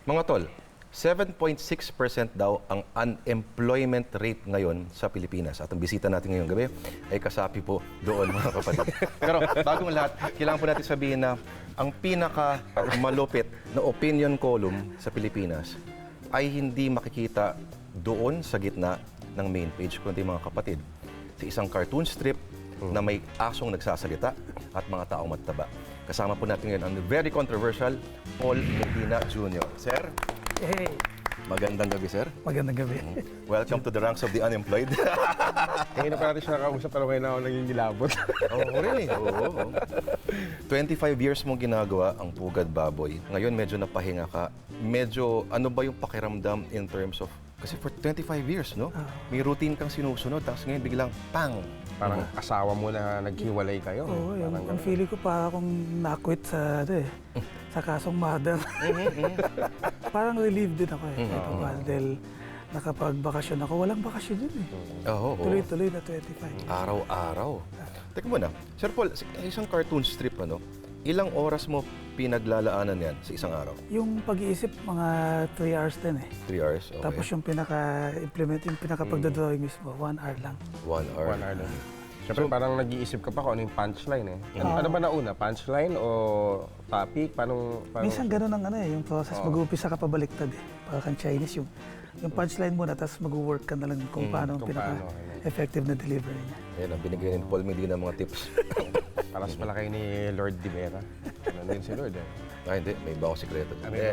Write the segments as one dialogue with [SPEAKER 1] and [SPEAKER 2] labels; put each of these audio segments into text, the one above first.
[SPEAKER 1] Mga tol, 7.6% daw ang unemployment rate ngayon sa Pilipinas. At ang bisita natin ngayong gabi ay kasapi po doon, mga kapatid. Pero bagong lahat, kailangan po natin sabihin na ang pinaka-malupit na opinion column sa Pilipinas ay hindi makikita doon sa gitna ng main page, kundi mga kapatid, sa isang cartoon strip na may asong nagsasalita at mga taong mataba. Kasama po natin ngayon ang very controversial Paul Medina Jr. Sir?
[SPEAKER 2] Hey,
[SPEAKER 1] Magandang gabi, sir.
[SPEAKER 2] magandang gabi.
[SPEAKER 1] Welcome to the ranks of the unemployed.
[SPEAKER 3] Ngayon na pa natin siya nakausap, pero ngayon na ako naging nilabot.
[SPEAKER 1] Oo, really? Oo. 25 years mong ginagawa ang Pugad Baboy. Ngayon, medyo napahinga ka. Medyo, ano ba yung pakiramdam in terms of... Kasi for 25 years, no? May routine kang sinusunod, tapos ngayon biglang, pang!
[SPEAKER 3] Parang asawa mo na naghiwalay kayo.
[SPEAKER 2] Oo,
[SPEAKER 3] Parang
[SPEAKER 2] ang feeling ko para akong na-quit sa, sa kasong mother. Parang relieved din ako dahil nakapagbakasyon ako. Walang bakasyon yun
[SPEAKER 1] Oo.
[SPEAKER 2] Tuloy-tuloy na 25.
[SPEAKER 1] Araw-araw. Teka muna, Sir Paul, isang cartoon strip, ano? Ilang oras mo pinaglalaanan yan sa isang araw?
[SPEAKER 2] Yung pag-iisip, mga 3 hours din
[SPEAKER 1] 3 hours? Okay.
[SPEAKER 2] Tapos yung pinaka-implement, yung pinaka-pagdodrawing mismo, 1 hour lang.
[SPEAKER 1] 1 hour.
[SPEAKER 3] 1 hour lang. Siyempre, parang nag-iisip ka pa kung ano yung punchline eh. Ano ba nauna? Punchline o topic? Paano
[SPEAKER 2] Minsan gano'n ang yung process. Mag-uumpisa ka pabaliktad Para kang Chinese, yung punchline muna, tapos mag-work ka na lang kung paano ang pinaka-effective na delivery niya.
[SPEAKER 1] Ayan, ang binigay ni Paul Medina mga tips.
[SPEAKER 3] Paras pala kayo ni Lord Di Vera. Ano din si Lord eh.
[SPEAKER 1] Hindi. May iba akong sikreto.
[SPEAKER 3] Ano yun?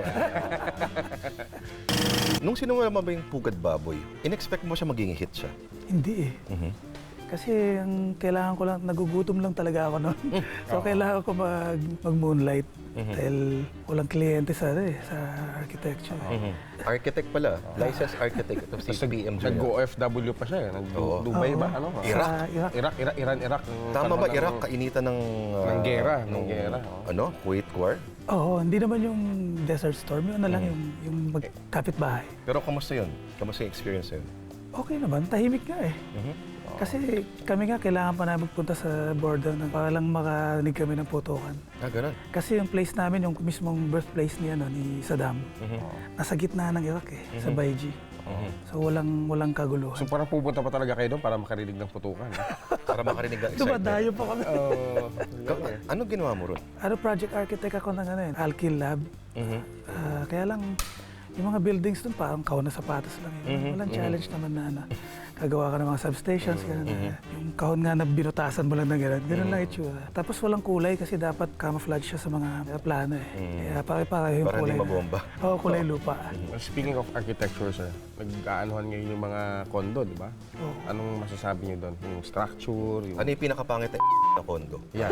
[SPEAKER 1] Nung sinumula mo ba yung Pugad Baboy, in-expect mo siya maging hit siya?
[SPEAKER 2] Hindi Kasi ang kailangan ko lang, nagugutom lang talaga ako noon. So kailangan ko mag-moonlight dahil walang kliyente sa architecture.
[SPEAKER 1] Architect pala. Licensed architect. Ito si PM Jr.
[SPEAKER 3] Nag-OFW pa siya eh. Nag-Dubai ba? Ano?
[SPEAKER 2] Iraq.
[SPEAKER 3] Iran.
[SPEAKER 1] Tama ba, Iraq? Kainitan ng...
[SPEAKER 3] ng gera.
[SPEAKER 1] Ano? Kuwait War?
[SPEAKER 2] Oo, hindi naman yung Desert Storm. Yun na lang yung magkapit-bahay.
[SPEAKER 1] Pero kamusta yun? Kamusta yung experience yun?
[SPEAKER 2] Okay naman, tahimik nga Kasi kami nga kailangan pa na magpunta sa border para lang makarinig kami ng putukan.
[SPEAKER 1] Ganun.
[SPEAKER 2] Kasi yung place namin, yung mismong birthplace ni Saddam, nasa gitna ng Iraq sa Baiji. So walang kagulo.
[SPEAKER 3] So parang pupunta pa talaga kayo doon para makarinig ng putukan.
[SPEAKER 1] Para makarinig ng excitement.
[SPEAKER 2] Dumadayo pa kami.
[SPEAKER 1] Ano ginawa mo ron?
[SPEAKER 2] Project architect ako ng Alkil Lab. Kaya lang, yung mga buildings doon parang kahon na sapatos lang Walang challenge naman na kagawa ka ng mga substations, yung kahon nga na binutasan mo lang ng ganun lang itsura. Tapos walang kulay kasi dapat camouflage siya sa mga plano Kaya pare-pareho yung
[SPEAKER 1] Para
[SPEAKER 2] kulay.
[SPEAKER 1] hindi mabomba.
[SPEAKER 2] Oo, kulay lupa.
[SPEAKER 3] Speaking of architecture, sir, nag-aanuhan ngayon yung mga condo, di ba? Anong masasabi niyo doon? Yung structure, yung...
[SPEAKER 1] Ano yung pinakapangit na kondo?
[SPEAKER 3] Yeah.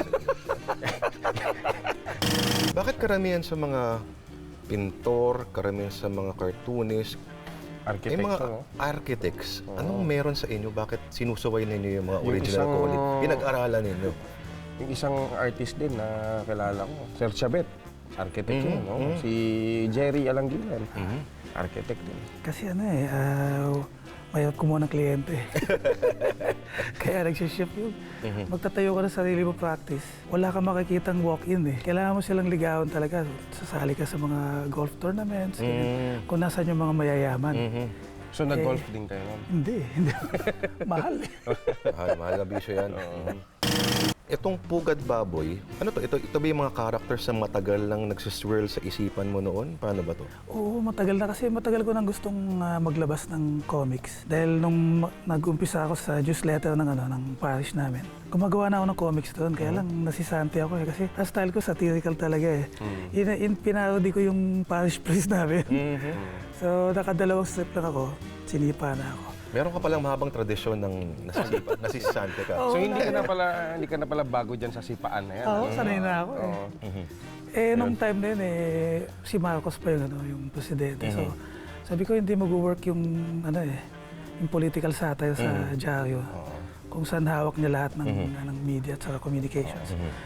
[SPEAKER 1] Bakit karamihan sa mga pintor, karamihan sa mga cartoonist,
[SPEAKER 3] Architect,
[SPEAKER 1] mga
[SPEAKER 3] no?
[SPEAKER 1] architects, anong meron sa inyo? Bakit sinusuway ninyo yung mga original quality? Pinag-aralan ninyo?
[SPEAKER 3] Yung isang artist din na kilala ko, Sir Chabet, architect yun, no? Si Jerry Alangilan, architect din.
[SPEAKER 2] Kasi mayroon kumuha ng kliyente. Kaya nagsiship yun. Magtatayo ka ng sarili mo practice. Wala kang makikitang walk-in Kailangan mo silang ligawan talaga. Sasali ka sa mga golf tournaments. Kung nasan yung mga mayayaman.
[SPEAKER 3] So nag-golf din kayo nun?
[SPEAKER 2] Hindi. Mahal
[SPEAKER 1] Mahal na bisyo yan. Itong Pugad Baboy, ano to? Ito ba yung mga characters na matagal lang nagsiswirl sa isipan mo noon? Paano ba to?
[SPEAKER 2] Oo, matagal na kasi matagal ko nang gustong maglabas ng comics. Dahil nung nag-umpisa ako sa newsletter ng parish namin, gumagawa na ako ng comics doon. Kaya lang nasisante ako kasi ang style ko satirical talaga Pinarody ko yung parish priest namin. So nakadalawang strip lang ako, sinipa na ako.
[SPEAKER 1] Meron ka palang mahabang tradisyon ng nasisante ka.
[SPEAKER 3] So hindi ka na pala bago dyan sa sipaan na yan?
[SPEAKER 2] Oo, sanay na ako nung time na yun si Marcos pa yung presidente. So sabi ko hindi mag-work yung yung political satire sa dyaryo. Kung saan hawak niya lahat ng media at sa communications.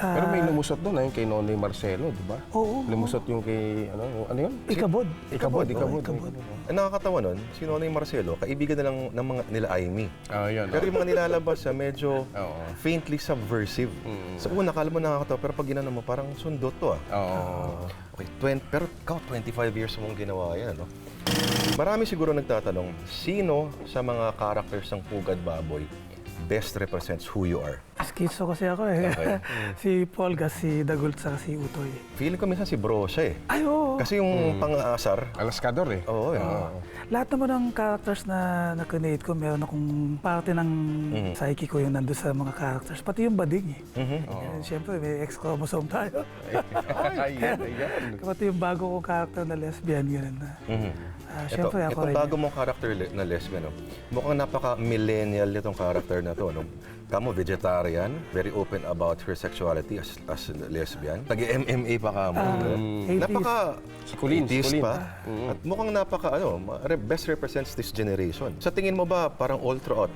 [SPEAKER 3] Pero may lumusot doon, yung kay Nonoy Marcelo, di ba?
[SPEAKER 2] Oo.
[SPEAKER 3] Lumusot yung kay, ano yun?
[SPEAKER 2] Ikabod.
[SPEAKER 3] Ikabod.
[SPEAKER 2] Ikabod.
[SPEAKER 1] Ang nakakatawa nun, si Nonoy Marcelo, kaibigan na lang ng mga nila Aimee.
[SPEAKER 3] Yun.
[SPEAKER 1] Pero yung mga nilalabas medyo
[SPEAKER 3] Oo.
[SPEAKER 1] faintly subversive. Sa una, kala mo nakakatawa, pero pag ginano mo, parang sundot to
[SPEAKER 3] Oo.
[SPEAKER 1] Okay, pero ikaw, 25 years mong ginawa yan, ano? Marami siguro nagtatanong, sino sa mga characters ng Pugad Baboy best represents who you are?
[SPEAKER 2] Schizo kasi ako eh.
[SPEAKER 1] Okay.
[SPEAKER 2] Si Polga, si Dagult, saka si Utoy.
[SPEAKER 1] Feeling ko minsan si Bro siya eh.
[SPEAKER 2] Ay, oo.
[SPEAKER 1] Kasi yung pang-aasar,
[SPEAKER 3] Alaskador eh.
[SPEAKER 1] oo, yun.
[SPEAKER 2] Lahat naman ng characters na na-create ko, meron akong parte ng psyche ko yung nandun sa mga characters. Pati yung bading eh. Siyempre, may X-chromosome tayo.
[SPEAKER 3] Ay, yan.
[SPEAKER 2] Pati yung bago kong character na lesbian, gano'n na. Siyempre, ako
[SPEAKER 1] Itong
[SPEAKER 2] rin.
[SPEAKER 1] bago mong character na lesbian, no? Mukhang napaka-millennial itong character na to. No? Kamo, vegetarian, very open about her sexuality as lesbian. Tagi-MMA pa ka mo. no?
[SPEAKER 2] 80s.
[SPEAKER 1] Napaka
[SPEAKER 3] Kulin,
[SPEAKER 1] 80s
[SPEAKER 3] kulin.
[SPEAKER 1] pa. At mukhang napaka, best represents this generation. Sa tingin mo ba, parang all throughout,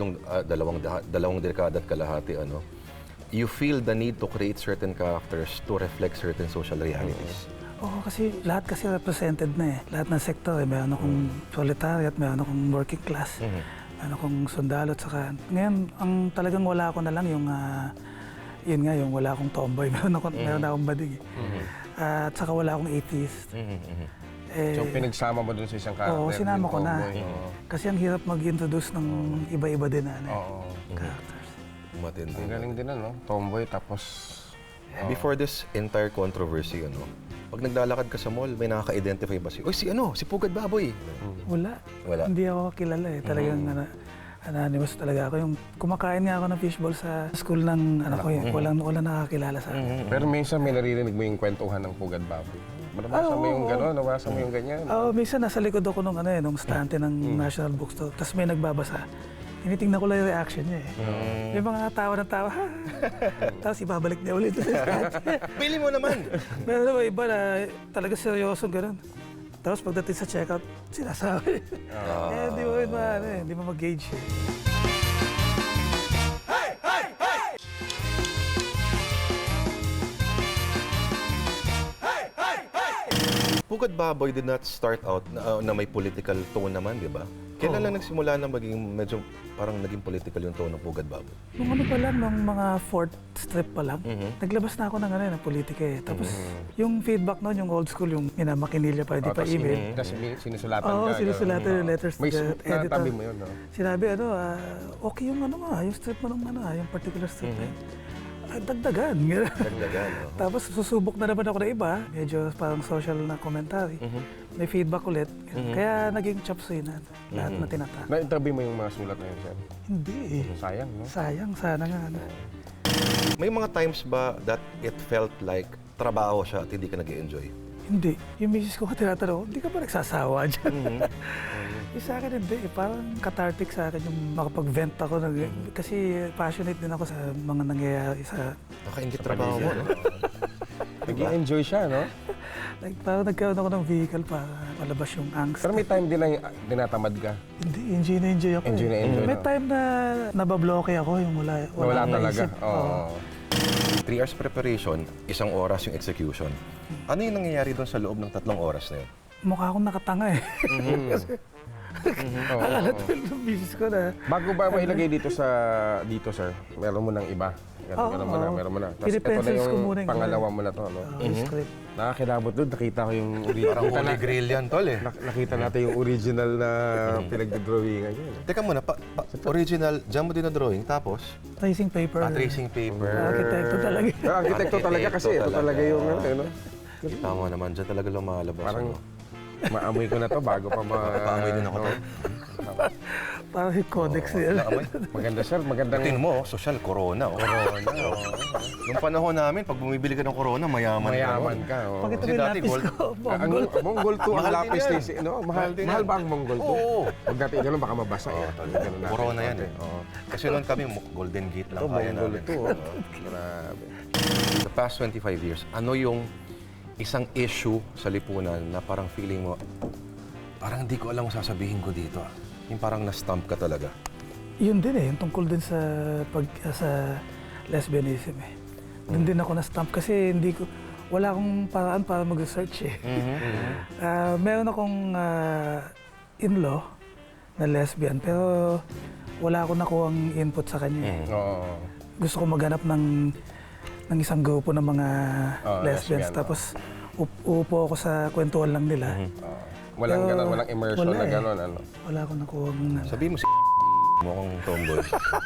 [SPEAKER 1] dalawang dekada at kalahati, you feel the need to create certain characters to reflect certain social realities?
[SPEAKER 2] Oo, kasi lahat kasi represented na eh. Lahat ng sektor eh. Meron akong proletariat, meron akong working class, meron akong sundalo, at saka ngayon, ang talagang wala ako na lang yung, yun nga, yung wala akong tomboy. Meron akong bading eh. At saka wala akong atheist. Eh,
[SPEAKER 3] So, pinagsama mo dun sa isang character.
[SPEAKER 2] oo, sinama
[SPEAKER 3] yung
[SPEAKER 2] ko na.
[SPEAKER 3] tomboy. Oo.
[SPEAKER 2] Kasi ang hirap mag-introduce ng iba-iba din na
[SPEAKER 3] Oo.
[SPEAKER 2] characters.
[SPEAKER 1] Matindi.
[SPEAKER 3] Ang galing din tomboy tapos...
[SPEAKER 1] Before this entire controversy, pag naglalakad ka sa mall, may nakaka-identify ba si Pugad Baboy?
[SPEAKER 2] Wala.
[SPEAKER 1] Wala.
[SPEAKER 2] Hindi ako kilala eh. Talagang anonymous talaga ako. Yung kumakain nga ako ng fishball sa school ng anak ko eh. Walang nakakilala sa akin.
[SPEAKER 3] Pero minsan may naririnig mo yung kwentuhan ng Pugad Baboy. Nabasa mo yung gano'n, nabasa mo yung ganyan.
[SPEAKER 2] Oo, minsan nasa likod ako nung stante ng National Bookstore. Tapos may nagbabasa. Tinitingnan ko lang yung reaction niya eh. May mga tawa ng tawa, ha? Tapos ibabalik niya ulit.
[SPEAKER 1] Pili mo naman!
[SPEAKER 2] Meron naman iba na talaga seryoso gano'n. Tapos pagdating sa checkout, sinasabi. Hindi mo hindi mo mag-gauge eh.
[SPEAKER 1] Pugad Baboy did not start out na may political tone naman, di ba? Kailan lang nagsimula na maging medyo parang naging political yung tone ng Pugad Baboy?
[SPEAKER 2] Nung ano pa lang, nung mga fourth strip pa lang, naglabas na ako ng politika eh. Tapos yung feedback noon, yung old school, yung minamakinilya pa, hindi pa email.
[SPEAKER 3] Tapos sinusulatan
[SPEAKER 2] Oo,
[SPEAKER 3] ka.
[SPEAKER 2] sinusulatan yung letters to
[SPEAKER 3] May
[SPEAKER 2] the editor.
[SPEAKER 3] natabi mo yun, no?
[SPEAKER 2] Sinabi, okay yung yung strip mo nung yung particular strip na yun. Dagdagan.
[SPEAKER 1] Dagdagan,
[SPEAKER 2] Tapos susubok na naman ako ng iba, medyo parang social na commentary. May feedback ulit. Kaya naging chop suey na lahat na tinatake.
[SPEAKER 3] Na-interview mo yung mga sulat na yun, sir?
[SPEAKER 2] Hindi eh.
[SPEAKER 3] Sayang, no?
[SPEAKER 2] Sayang, sana nga.
[SPEAKER 1] May mga times ba that it felt like trabaho siya at hindi ka nag-enjoy?
[SPEAKER 2] Hindi. Yung misis ko tinatanong, hindi ka ba nagsasawa dyan? Sa akin hindi. Parang cathartic sa akin yung makapag-vent ako. Kasi passionate din ako sa mga nangyayari sa...
[SPEAKER 1] Nakaingit trabaho mo, no?
[SPEAKER 3] Nag-enjoy siya, no?
[SPEAKER 2] Like, parang nagkaroon ako ng vehicle para malabas yung angst.
[SPEAKER 3] Pero may time din lang dinatamad ka.
[SPEAKER 2] Hindi, enjoy na enjoy ako.
[SPEAKER 3] Enjoy na enjoy,
[SPEAKER 2] May
[SPEAKER 3] no?
[SPEAKER 2] time na nababloke ako, yung wala
[SPEAKER 3] Wala
[SPEAKER 2] akong
[SPEAKER 3] talaga.
[SPEAKER 2] naisip.
[SPEAKER 3] Oo.
[SPEAKER 1] 3 hours preparation, 1 oras yung execution. Ano yung nangyayari doon sa loob ng 3 oras na yun?
[SPEAKER 2] Mukha akong nakatanga eh. Akala ko yung misis ko na.
[SPEAKER 3] Bago ba mailagay dito, sir, meron mo ng iba. Meron mo na. Tapos ito na
[SPEAKER 2] Pinipencils ko muna
[SPEAKER 3] yung
[SPEAKER 2] yung
[SPEAKER 3] pangalawa mo na to, no?
[SPEAKER 2] Yung script.
[SPEAKER 3] Nakakilabot doon, nakita ko yung
[SPEAKER 1] Parang holy grail yan, tol eh.
[SPEAKER 3] Nakita natin yung original na pinagdodrawingan yun.
[SPEAKER 1] Teka muna, original, dyan mo din na drawing, tapos
[SPEAKER 2] Tracing paper.
[SPEAKER 1] tracing paper.
[SPEAKER 2] Arkitekto talaga.
[SPEAKER 3] Arkitekto talaga kasi, ito talaga yung ano.
[SPEAKER 1] Kita mo naman, dyan talaga lumalabas.
[SPEAKER 3] Parang maamoy ko na to bago pa
[SPEAKER 1] Paamoy din ako to.
[SPEAKER 2] Parang yung codex nila.
[SPEAKER 3] Maganda, sir. Magandang...
[SPEAKER 1] Tingnan mo, social, corona. Corona. Nung panahon namin, pag bumibili ka ng corona, mayaman
[SPEAKER 3] ka. Oh.
[SPEAKER 2] Pag ito
[SPEAKER 1] Kasi
[SPEAKER 2] may
[SPEAKER 1] dati
[SPEAKER 2] lapis
[SPEAKER 1] gold.
[SPEAKER 2] ko,
[SPEAKER 3] Ang
[SPEAKER 2] Mongol.
[SPEAKER 3] Mongol 2 ang
[SPEAKER 1] Mahal din
[SPEAKER 3] lapis
[SPEAKER 1] yan.
[SPEAKER 3] ni no? Mahal
[SPEAKER 1] din
[SPEAKER 3] mahal
[SPEAKER 1] yan.
[SPEAKER 3] ba ang Mongol 2?
[SPEAKER 1] Oo.
[SPEAKER 3] Pag natin ganun baka mabasa eh. Ganun natin.
[SPEAKER 1] Corona yan eh.
[SPEAKER 3] Oo.
[SPEAKER 1] Kasi noon kami, Golden Gate lang
[SPEAKER 3] Ito,
[SPEAKER 1] kaya
[SPEAKER 3] Mongol
[SPEAKER 1] namin.
[SPEAKER 3] 2. Oh. Grabe.
[SPEAKER 1] The past 25 years, ano yung isang issue sa lipunan na parang feeling mo, parang hindi ko alam kung sasabihin ko dito. Yung parang na-stump ka talaga.
[SPEAKER 2] Yun din eh, yung tungkol din sa sa lesbianism eh. Doon din ako na-stump kasi wala akong paraan para mag-research eh. Meron akong in-law na lesbian pero wala akong nakuhang input sa kanya.
[SPEAKER 3] Oo.
[SPEAKER 2] Gusto ko maghanap ng isang grupo ng mga lesbians
[SPEAKER 3] lesbian,
[SPEAKER 2] tapos upo ako sa kwentuhan lang nila.
[SPEAKER 3] Walang
[SPEAKER 2] Pero
[SPEAKER 3] ganun, walang immersion
[SPEAKER 2] wala
[SPEAKER 3] na
[SPEAKER 2] eh.
[SPEAKER 3] gano'n, ano?
[SPEAKER 2] Wala akong nakuhang
[SPEAKER 1] Sabi mo si mukhang tomboy.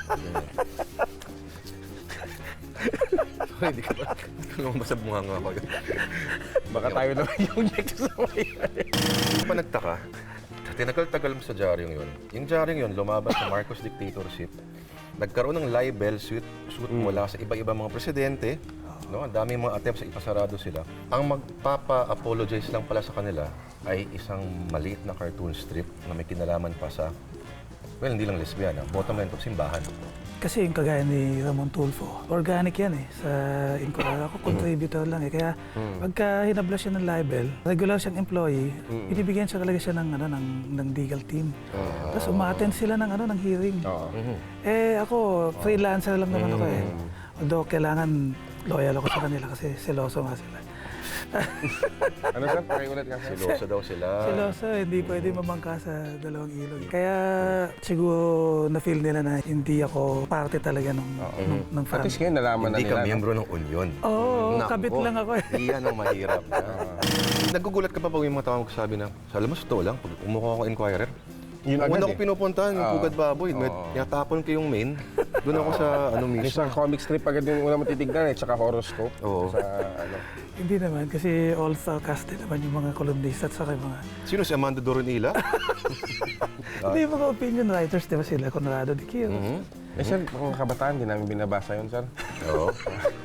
[SPEAKER 1] Hindi ka ba? Lumabasab mo nga ako.
[SPEAKER 3] Baka tayo naman yung next sa
[SPEAKER 1] Hindi pa nagtaka, tinagal-tagal mo sa dyaryong yun. Yung dyaryong yun, lumabas sa Marcos dictatorship. Nagkaroon ng libel suit mula sa iba-iba mga presidente. No, ang daming mga attempts sa ipasarado sila. Ang magpapa-apologize lang pala sa kanila ay isang maliit na cartoon strip na may kinalaman pa sa, well, hindi lang lesbiana, bottom line of simbahan.
[SPEAKER 2] Kasi yung kagaya ni Ramon Tulfo, organic yan eh. Sa Inquirer ako, contributor lang eh. Kaya pagka hinabla siya ng libel, regular siyang employee, binibigyan siya talaga siya ng legal team. Tapos umaattend sila ng hearing. Eh ako, freelancer lang naman ako eh. Although kailangan loyal ako sa kanila kasi seloso nga sila.
[SPEAKER 3] Ano sir? Pakiulit ka sir.
[SPEAKER 1] Siloso daw sila.
[SPEAKER 2] Seloso, hindi pwede mamangka sa dalawang ilog. Kaya siguro na-feel nila na hindi ako parte talaga ng
[SPEAKER 3] At
[SPEAKER 2] family.
[SPEAKER 3] least ngayon nalaman na
[SPEAKER 1] Hindi
[SPEAKER 3] nila.
[SPEAKER 1] ka
[SPEAKER 3] no?
[SPEAKER 1] miyembro ng Union.
[SPEAKER 2] Oo,
[SPEAKER 1] Nako,
[SPEAKER 2] kabit lang ako eh.
[SPEAKER 1] Iyan ang mahirap. Nagugulat ka pa pag yung mga tao magsasabi na, sa alam mo, totoo lang, pag umukha ako Inquirer,
[SPEAKER 3] Yun agad
[SPEAKER 1] una ko
[SPEAKER 3] eh.
[SPEAKER 1] pinupuntahan, yung Pugad Baboy. Tinatapon ko yung main. Doon ako sa
[SPEAKER 3] Yung
[SPEAKER 1] mismo.
[SPEAKER 3] sa comic strip agad yung una mo titignan eh, tsaka horoscope.
[SPEAKER 1] Oo.
[SPEAKER 3] Sa ano.
[SPEAKER 2] Hindi naman, kasi all cast din naman yung mga columnist at saka yung mga...
[SPEAKER 1] Sino si Amanda Doronila?
[SPEAKER 2] Hindi yung mga opinion writers, di ba sila? Conrado de Quiro.
[SPEAKER 3] Eh sir, mga kabataan, di namin binabasa yun sir.
[SPEAKER 1] Oo.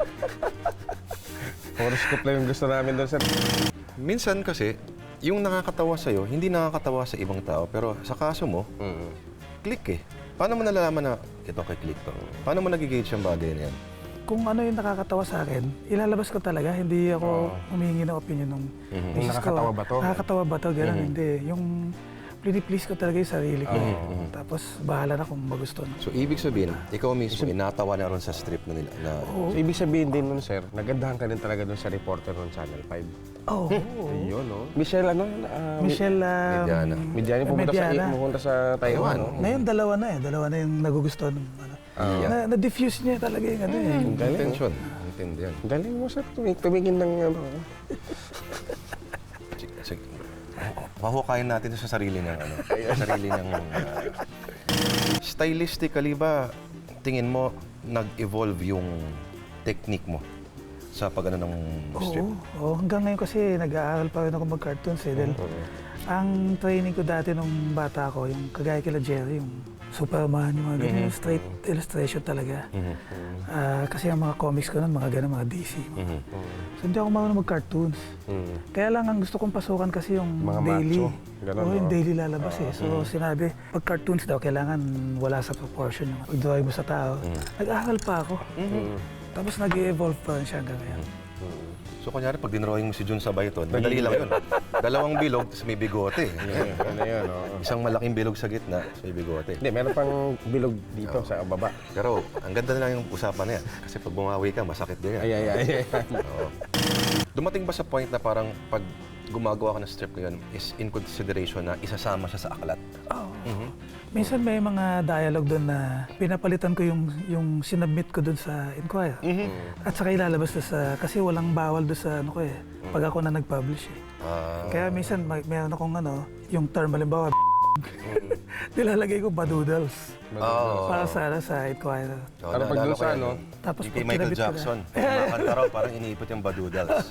[SPEAKER 3] Horoscope lang yung gusto namin doon sir.
[SPEAKER 1] Minsan kasi, yung nakakatawa sa'yo, hindi nakakatawa sa ibang tao. Pero sa kaso mo, click eh. Paano mo nalalaman na ito kay click to? Paano mo nagigauge yung bagay na yan?
[SPEAKER 2] Kung ano yung nakakatawa sa akin, ilalabas ko talaga. Hindi ako humingi ng opinion ng misis ko.
[SPEAKER 3] Nakakatawa ba to?
[SPEAKER 2] Nakakatawa ba to? Ganun, hindi. Yung please ko talaga yung sarili ko. Tapos bahala na kung magustuhan.
[SPEAKER 1] So, ibig sabihin, ikaw mismo, inatawa na ron sa strip na nila. Na,
[SPEAKER 3] So, ibig sabihin din nun sir, nagandahan ka din talaga doon sa reporter ng Channel 5.
[SPEAKER 2] Oh,
[SPEAKER 3] Yun no? Michelle ano?
[SPEAKER 2] Michelle
[SPEAKER 1] Mediana.
[SPEAKER 3] Midyani
[SPEAKER 2] Mediana.
[SPEAKER 3] pumunta sa Taiwan. no?
[SPEAKER 2] Ngayon, dalawa na eh. Dalawa na yung nagugustuhan. Na-diffuse niya talaga yung ano eh.
[SPEAKER 1] intention. Intindi yan.
[SPEAKER 3] Galing mo sir, tumingin ng ano.
[SPEAKER 1] Sige. Mahukayin natin sa sarili ng ano. Sarili ng... stylistically ba, tingin mo, nag-evolve yung technique mo sa pag-ano ng strip?
[SPEAKER 2] Oo, hanggang ngayon kasi nag-aaral pa rin ako mag-cartoons eh. Dahil ang training ko dati nung bata ko, yung kagaya kila Jerry, yung Superman, yung mga ganun, straight illustration talaga. Kasi ang mga comics ko nun, mga ganun, mga DC. So hindi ako marunong mag-cartoons. Kaya lang ang gusto kong pasukan kasi yung
[SPEAKER 3] Mga
[SPEAKER 2] daily.
[SPEAKER 3] macho. Ganun,
[SPEAKER 2] Oo, yung
[SPEAKER 3] no?
[SPEAKER 2] daily lalabas eh. So sinabi, pag cartoons daw, kailangan wala sa proportion yung pag-drawing mo sa tao. Nag-aaral pa ako. Tapos nag-evolve pa rin siya hanggang ngayon.
[SPEAKER 1] So, kunyari, pag dinrawing mo si Jun Sabayton, madali lang yun. Dalawang bilog, tapos may bigote.
[SPEAKER 3] Ano yun, no?
[SPEAKER 1] Isang malaking bilog sa gitna, tapos may bigote.
[SPEAKER 3] Hindi, meron pang bilog dito sa baba.
[SPEAKER 1] Pero, ang ganda na lang yung usapan na yan. Kasi pag bumawi ka, masakit din yan.
[SPEAKER 3] Ay.
[SPEAKER 1] Oo. Dumating ba sa point na parang pag gumagawa ka ng strip ngayon is in consideration na isasama siya sa aklat?
[SPEAKER 2] Oo. Minsan may mga dialogue doon na pinapalitan ko yung sinubmit ko doon sa Inquirer. At saka ilalabas doon sa, kasi walang bawal doon sa ano ko eh, pag ako na nag-publish eh. Kaya minsan meron akong ano, yung term halimbawa, nilalagay ko badoodles. Para sa Inquirer.
[SPEAKER 3] Ano pag doon sa ano?
[SPEAKER 2] Tapos
[SPEAKER 1] Yung kay
[SPEAKER 2] pag
[SPEAKER 1] Michael
[SPEAKER 2] kinabit ko na-
[SPEAKER 1] Jackson, kumakanta raw, parang iniipot yung badoodles.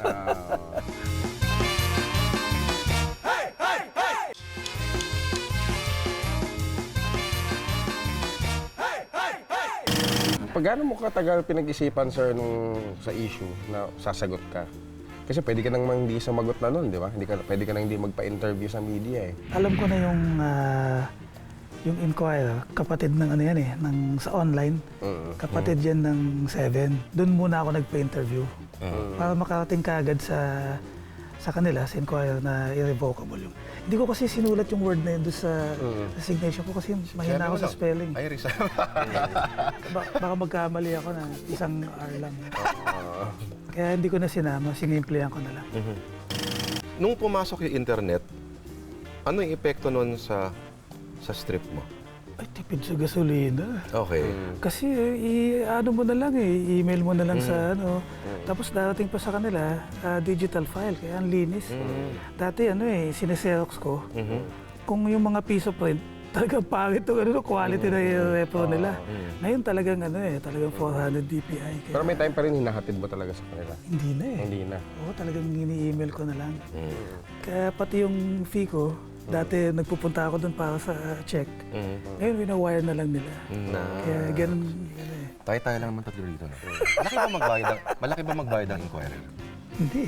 [SPEAKER 3] Pag mo katagal pinag-isipan, sir, nung sa issue na sasagot ka? Kasi pwede ka nang hindi sumagot na nun, di ba? Pwede ka nang hindi magpa-interview sa media eh.
[SPEAKER 2] Alam ko na yung Inquirer, kapatid ng ano yan eh, sa online. Kapatid yan ng 7. Doon muna ako nagpa-interview. Para makarating ka agad sa sa kanila, sa Inquirer, na irrevocable yung... Hindi ko kasi sinulat yung word na yun doon sa resignation ko kasi mahina ako sa spelling.
[SPEAKER 1] Ay, resign.
[SPEAKER 2] Baka magkamali ako na isang R lang. Kaya hindi ko na sinama, sinimplihan ko na lang.
[SPEAKER 1] Nung pumasok yung internet, ano yung epekto nun sa strip mo?
[SPEAKER 2] Ay, tipid sa gasolina.
[SPEAKER 1] Okay.
[SPEAKER 2] Kasi ano mo na lang i-email mo na lang sa ano. Tapos darating pa sa kanila, digital file, kaya ang linis. Dati sineserox ko. Kung yung mga piece of print, talagang pangit yung quality na repro nila. Ngayon talagang talagang 400 dpi. Kaya,
[SPEAKER 3] Pero may time pa rin hinahatid mo talaga sa kanila.
[SPEAKER 2] hindi na eh.
[SPEAKER 3] Hindi na.
[SPEAKER 2] Oo, talagang ini-email ko na lang. Kaya pati yung fee ko, dati nagpupunta ako doon para sa check. Ngayon, wina-wire na lang nila. Kaya ganun eh.
[SPEAKER 1] Tayo lang naman tatlo dito. No? Malaki ba magbayad ang Inquirer?
[SPEAKER 2] Hindi.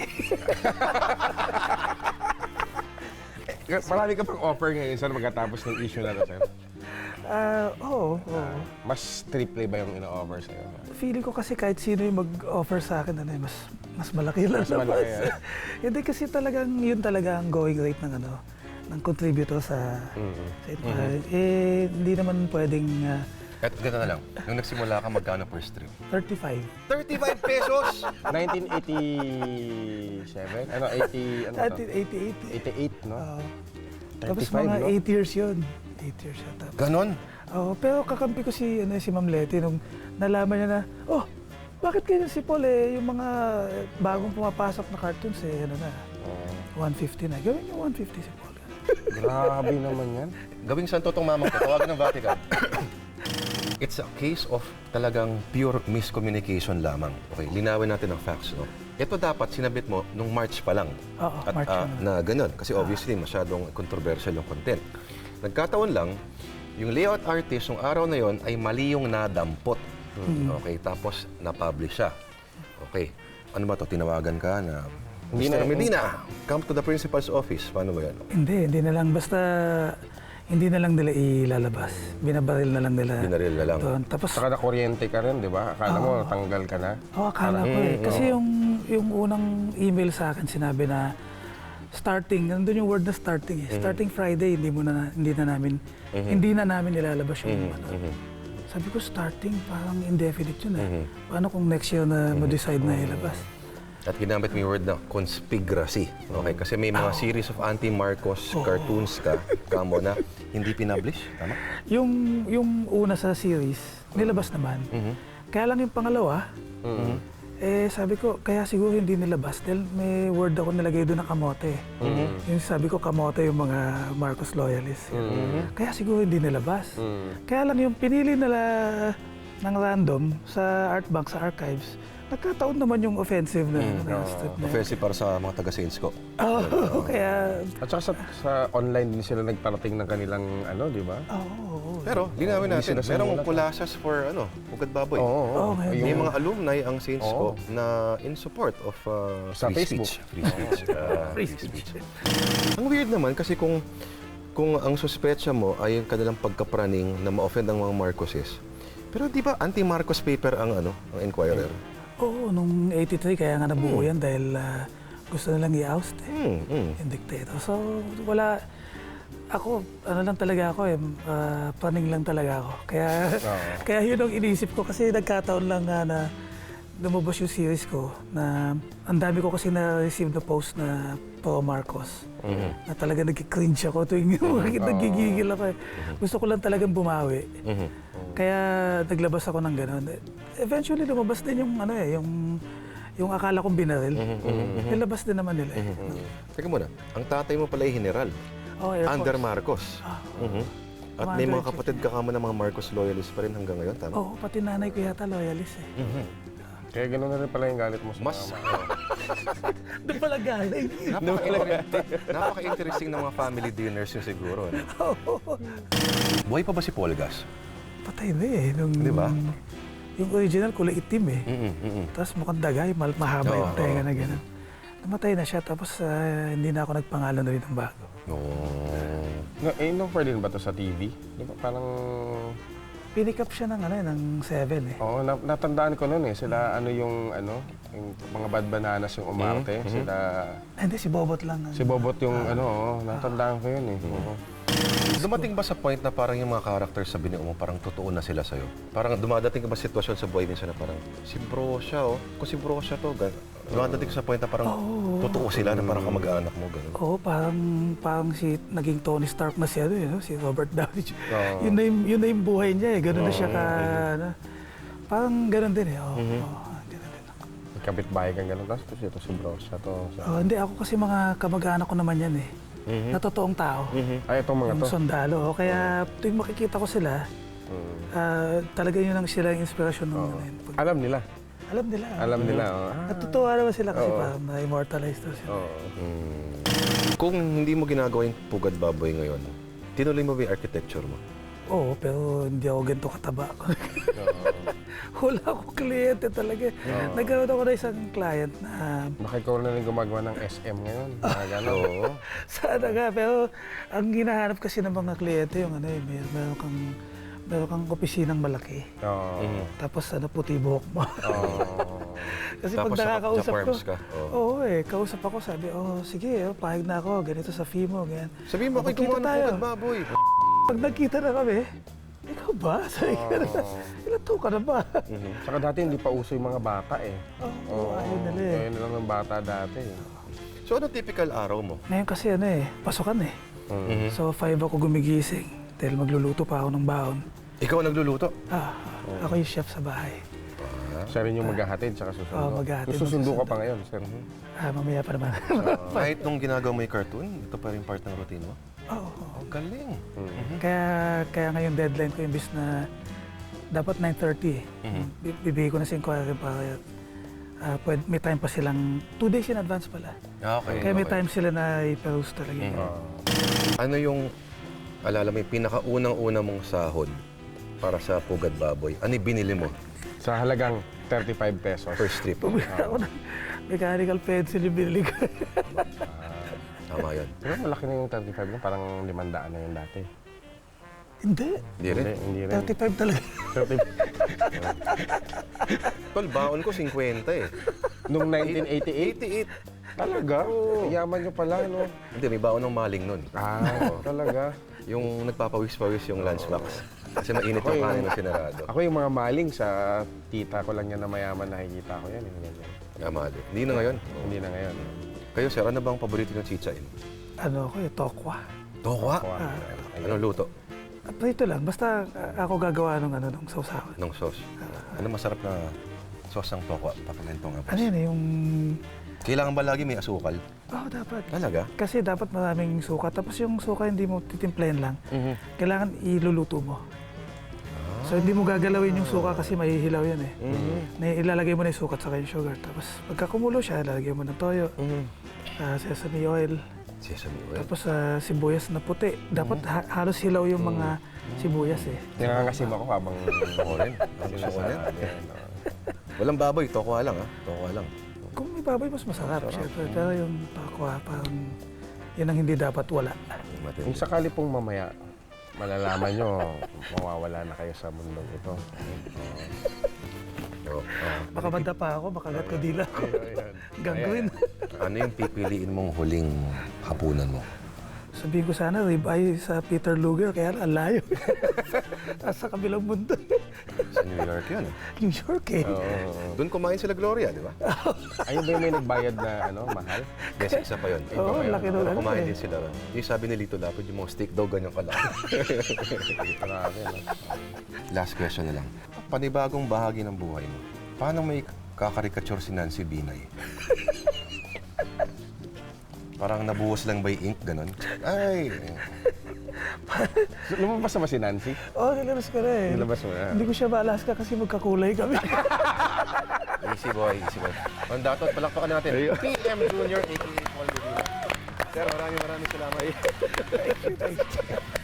[SPEAKER 3] Marami ka pang offer ngayon sir magkatapos ng issue na to, sir.
[SPEAKER 2] Oo.
[SPEAKER 3] Mas triple ba yung ino-offer sa'yo?
[SPEAKER 2] Feeling ko kasi kahit sino yung mag-offer sa akin, mas malaki lang.
[SPEAKER 3] Mas malaki,
[SPEAKER 2] Hindi kasi talagang yun talaga ang going rate ng ng contributor sa Inquirer. Hindi naman pwedeng
[SPEAKER 1] At gano'n na lang. Nung nagsimula ka, magkano per strip?
[SPEAKER 2] 35.
[SPEAKER 1] 35 pesos!
[SPEAKER 3] 1987? Ano, 80, ano to?
[SPEAKER 2] 88.
[SPEAKER 3] 88, no?
[SPEAKER 2] Tapos
[SPEAKER 3] 35,
[SPEAKER 2] mga
[SPEAKER 3] no?
[SPEAKER 2] 8 years yun. 8 years yun. Tapos,
[SPEAKER 1] Ganon?
[SPEAKER 2] pero kakampi ko si Ma'am Leti nung nalaman niya na, bakit ganyan si Paul yung mga bagong pumapasok na cartoons 150 na. Gawin niyo 150 si Paul.
[SPEAKER 3] Grabe naman yan.
[SPEAKER 1] Gawing santo tong mamang ko. Tawagan ng Vatican. It's a case of talagang pure miscommunication lamang. Okay, linawin natin ang facts, no? Ito dapat sinabit mo nung March pa lang.
[SPEAKER 2] Oo, March pa lang.
[SPEAKER 1] Na ganun. Kasi obviously, masyadong controversial yung content. Nagkataon lang, yung layout artist, yung araw na yon ay mali yung nadampot. Okay, tapos na-publish siya. Okay, ano ba to? Tinawagan ka na, Mr. Medina, come to the principal's office. Paano ba yan?
[SPEAKER 2] Hindi na lang. Basta hindi na lang nila ilalabas. Binabaril na lang nila.
[SPEAKER 1] Binaril na lang.
[SPEAKER 2] Doon. Tapos,
[SPEAKER 3] Saka na-kuryente ka rin, di ba? Akala mo, tanggal ka na.
[SPEAKER 2] akala ko Kasi yung unang email sa akin, sinabi na starting, nandun yung word na starting Starting Friday, hindi na namin ilalabas yung Sabi ko, starting, parang indefinite yun Paano kung next year na mo-decide na ilabas?
[SPEAKER 1] At ginamit mo yung word na conspiracy. Okay, kasi may mga series of anti-Marcos cartoons kamo na hindi pinablish. Tama?
[SPEAKER 2] Yung una sa series, nilabas naman. Kaya lang yung pangalawa, sabi ko, kaya siguro hindi nilabas dahil may word ako nilagay doon na kamote. Yung sabi ko, kamote yung mga Marcos loyalists. Kaya siguro hindi nilabas. Kaya lang yung pinili nila ng random sa Artbank, sa archives, nagkataon naman yung offensive na strip na.
[SPEAKER 1] Offensive para sa mga taga-sales ko.
[SPEAKER 2] Kaya...
[SPEAKER 3] At saka sa online din sila nagparating ng kanilang di ba?
[SPEAKER 1] Pero, linawin natin, merong collages for, Pugad Baboy. May mga alumni ang Saints ko na in support of
[SPEAKER 3] Sa
[SPEAKER 1] free
[SPEAKER 3] Facebook.
[SPEAKER 1] speech. Free speech. Ang weird naman kasi kung ang suspetsa mo ay yung kanilang pagkapraning na ma-offend ang mga Marcoses. Pero di ba anti-Marcos paper ang Inquirer?
[SPEAKER 2] Oo, nung 83 kaya nga nabuo yan dahil gusto nilang i-oust yung dictator. So wala, lang talaga ako praning lang talaga ako. Kaya yun ang inisip ko kasi nagkataon lang na lumabas yung series ko na ang dami ko kasi na-receive na post na pro-Marcos. Na talaga nag-cringe ako tuwing nagigigil ako. Gusto ko lang talagang bumawi. Kaya naglabas ako ng gano'n. Eventually lumabas din yung akala kong binaril. Nilabas din naman nila.
[SPEAKER 1] Teka muna, ang tatay mo pala ay general.
[SPEAKER 2] Air Force.
[SPEAKER 1] Under Marcos. At may mga kapatid ka kamo ng mga Marcos loyalists pa rin hanggang ngayon, tama?
[SPEAKER 2] Oo, pati nanay ko yata loyalist
[SPEAKER 3] Kaya gano'n na rin pala yung galit mo sa
[SPEAKER 1] Mas
[SPEAKER 2] Doon pala galing.
[SPEAKER 1] napaka-interesting ng mga family dinners yun siguro. Buhay pa ba si Polgas?
[SPEAKER 2] Patay na
[SPEAKER 1] Di ba?
[SPEAKER 2] Yung original kulay itim Tapos mukhang dagay, mahaba yung tenga na gano'n. Namatay na siya, tapos hindi na ako nagpangalan na rin ng bago.
[SPEAKER 3] No, in-offer din ba to sa TV? Di ba parang
[SPEAKER 2] Pinick up siya ng, ng 7 eh.
[SPEAKER 3] Oo, natandaan ko noon eh. Sila yung mga Bad Bananas yung umarte. Sila,
[SPEAKER 2] Hindi, si Bobot lang.
[SPEAKER 3] si Bobot yung natandaan ko yun eh. Oo.
[SPEAKER 1] Dumating ba sa point na parang yung mga characters sa binio mo, parang totoo na sila sa'yo? Parang dumadating ka ba sitwasyon sa buhay minsan na parang, si bro siya kung si bro siya to, dumadating ka sa point na parang totoo sila na parang kamag-anak mo, gano'n.
[SPEAKER 2] Oo, parang si naging Tony Stark na si si Robert Downey Jr.
[SPEAKER 3] Oo.
[SPEAKER 2] Yun na yung buhay niya eh. Ganun na siya parang ganun din eh. Ganun din.
[SPEAKER 3] Kapit-bahay kang gano'n. Tapos ito si bro siya to.
[SPEAKER 2] Hindi, ako kasi mga kamag-anak ko naman yan eh. Na totoong tao.
[SPEAKER 3] Ay, itong mga
[SPEAKER 2] Yung
[SPEAKER 3] to.
[SPEAKER 2] sundalo. Kaya tuwing makikita ko sila, talaga yun ang sila yung inspirasyon ng
[SPEAKER 3] Alam nila.
[SPEAKER 2] Alam nila.
[SPEAKER 3] Alam nila.
[SPEAKER 2] Natutuwa naman sila kasi parang na-immortalize daw sila.
[SPEAKER 1] Kung hindi mo ginagawa yung Pugad Baboy ngayon, tinuloy mo ba yung architecture mo?
[SPEAKER 2] Oo, pero hindi ako ganito kataba. Wala akong kliyente talaga. Nagkaroon ako na isang client na
[SPEAKER 3] Baka ikaw na rin gumagawa ng SM ngayon. Mga gano'n.
[SPEAKER 1] Oo.
[SPEAKER 2] sana nga, pero ang hinahanap kasi ng mga kliyente yung meron kang opisinang malaki.
[SPEAKER 3] Oo.
[SPEAKER 2] Tapos puti buhok mo. Kasi
[SPEAKER 1] Tapos
[SPEAKER 2] pag nakakausap
[SPEAKER 1] sa
[SPEAKER 2] ko,
[SPEAKER 1] farms ka?
[SPEAKER 2] oo kausap ako, sabi, sige, pahig na ako, ganito sa fee mo, ganyan.
[SPEAKER 1] Sabihin mo, ako'y
[SPEAKER 2] Magkita
[SPEAKER 1] gumawa ng
[SPEAKER 2] tayo.
[SPEAKER 1] Pugad Baboy.
[SPEAKER 2] Pag nagkita na kami, ikaw ba? Sabi ko, ilan taon ka na ba?
[SPEAKER 3] Saka dati hindi pa uso yung mga bata eh.
[SPEAKER 2] Oo, ayun nila eh.
[SPEAKER 3] Ayun na lang ng bata dati.
[SPEAKER 1] So, ano typical araw mo?
[SPEAKER 2] Ngayon kasi pasukan eh. So 5 ako gumigising dahil magluluto pa ako ng baon.
[SPEAKER 1] Ikaw ang nagluluto?
[SPEAKER 2] Ako yung chef sa bahay.
[SPEAKER 3] Siya rin yung maghahatid tsaka susundo.
[SPEAKER 2] Oo, maghahatid,
[SPEAKER 3] Susundo ka
[SPEAKER 2] magsusundo.
[SPEAKER 3] pa ngayon, sir.
[SPEAKER 2] Mamaya pa naman.
[SPEAKER 1] Kahit nung ginagawa mo yung cartoon, ito pa rin part ng routine mo?
[SPEAKER 2] Oo.
[SPEAKER 1] Oh, galing.
[SPEAKER 2] Kaya ngayon deadline ko imbis na dapat 9:30 eh. Bibigay ko na sa inquiry para may time pa silang 2 days in advance pala.
[SPEAKER 1] Okay.
[SPEAKER 2] Kaya may time sila na i-peruse talaga.
[SPEAKER 1] Ano yung, alala mo, yung pinakaunang-una mong sahod para sa Pugad Baboy? Ano yung binili mo?
[SPEAKER 3] Sa halagang 35 pesos.
[SPEAKER 1] First trip.
[SPEAKER 2] Bumili ako ng mechanical pencil yung binili ko.
[SPEAKER 1] Tama yun.
[SPEAKER 3] Pero malaki na yung 35 na, parang 500 na yun dati.
[SPEAKER 2] Hindi.
[SPEAKER 1] Hindi rin.
[SPEAKER 3] Hindi rin.
[SPEAKER 2] 35 talaga.
[SPEAKER 3] 35.
[SPEAKER 1] Tol, baon ko 50 eh.
[SPEAKER 3] Nung 1988?
[SPEAKER 1] 88.
[SPEAKER 3] Talaga? Yaman nyo pala, no?
[SPEAKER 1] Hindi, may baon ng maling nun.
[SPEAKER 3] Talaga?
[SPEAKER 1] Yung nagpapawis-pawis yung lunchbox. Kasi mainit yung kanin na sinarado.
[SPEAKER 3] Ako yung mga maling sa tita ko lang yan na mayaman, nakikita ko yan.
[SPEAKER 1] Tama din. Hindi na ngayon.
[SPEAKER 3] Hindi na ngayon.
[SPEAKER 1] Kayo, sir, ano bang paborito ng chichain?
[SPEAKER 2] Tokwa.
[SPEAKER 1] Tokwa? Anong luto?
[SPEAKER 2] Ito lang, basta ako gagawa ng sausawan.
[SPEAKER 1] Ng sauce. Ano masarap na sauce ng tokwa? Papakwento nga po.
[SPEAKER 2] Ano yun yung...
[SPEAKER 1] Kailangan ba lagi may asukal?
[SPEAKER 2] Oo, dapat.
[SPEAKER 1] Talaga?
[SPEAKER 2] Kasi dapat maraming suka. Tapos yung suka hindi mo titimplahin lang. Kailangan iluluto mo. So hindi mo gagalawin yung suka kasi mahihilaw yan eh. Ilalagay mo na yung suka at saka yung sugar. Tapos pagka kumulo siya, ilalagay mo ng toyo, sesame oil,
[SPEAKER 1] Sesame oil.
[SPEAKER 2] tapos sibuyas na puti. Dapat halos hilaw yung mga sibuyas eh.
[SPEAKER 3] Nangangasim ako habang
[SPEAKER 1] Ako rin. Gusto ko rin. Walang baboy, tokwa lang ha. Tokwa lang.
[SPEAKER 2] Kung may baboy, mas masarap syempre. Pero yung pakwa, parang yun ang hindi dapat wala.
[SPEAKER 3] Kung sakali pong mamaya, malalaman nyo, mawawala na kayo sa mundong ito.
[SPEAKER 2] Baka manda pa ako, makagat ko dila ko. Gagawin.
[SPEAKER 1] Ano yung pipiliin mong huling hapunan mo?
[SPEAKER 2] Sabihin ko sana, ribeye sa Peter Luger, kaya ang layo. Sa kabilang mundo.
[SPEAKER 1] Sa New York yun.
[SPEAKER 2] New York eh.
[SPEAKER 1] Doon kumain sila Gloria, di ba?
[SPEAKER 3] Ayun ba yung may nagbayad na mahal?
[SPEAKER 1] Yes, isa pa yun.
[SPEAKER 2] Oo, laki doon.
[SPEAKER 1] Kumain din sila. Yung sabi ni Lito Lapid, yung mga steak daw ganyan kalaki.
[SPEAKER 3] Grabe, no?
[SPEAKER 1] Last question na lang. Panibagong bahagi ng buhay mo, paano may kakarikature si Nancy Binay? Parang nabuhos lang by ink, ganon. Ay!
[SPEAKER 3] Lumabas na ba si Nancy?
[SPEAKER 2] Oo, nilabas ko na eh.
[SPEAKER 3] Nilabas mo na.
[SPEAKER 2] Hindi ko siya ma-Alaska kasi magkakulay kami.
[SPEAKER 1] Easy boy, easy boy. On that note, palakpakan natin. PM Jr. a.k.a. Paul Medina. Sir, maraming salamat.
[SPEAKER 2] Thank you.